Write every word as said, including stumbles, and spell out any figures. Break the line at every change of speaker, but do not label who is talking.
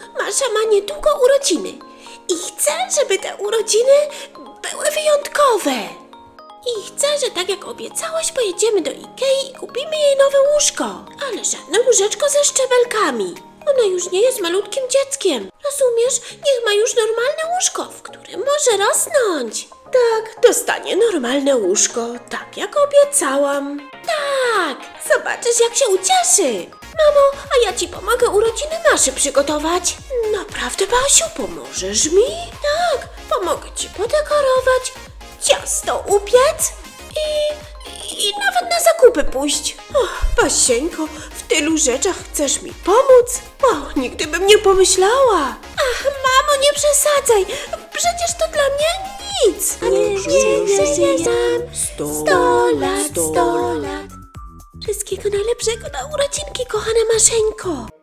Masza ma niedługo urodziny i chcę, żeby te urodziny były wyjątkowe. I chcę, że tak jak obiecałaś, pojedziemy do Ikei i kupimy jej nowe łóżko. Ale żadne łóżeczko ze szczebelkami. Ona już nie jest malutkim dzieckiem. Rozumiesz? Niech ma już normalne łóżko, w którym może rosnąć. Tak, dostanie normalne łóżko, tak jak obiecałam. Tak, zobaczysz jak się ucieszy. Mamo, a ja ci pomogę urodziny Maszy przygotować. Naprawdę, Basiu, pomożesz mi? Tak, pomogę ci podekorować, ciasto upiec i, i nawet na zakupy pójść. Och, Basieńko, w tylu rzeczach chcesz mi pomóc? O, nigdy bym nie pomyślała. Ach, mamo, nie przesadzaj, przecież to dla mnie nic.
Niech żyje nam
sto lat, sto lat. Wszystkiego najlepszego na urodzinki, kochana Maszeńko.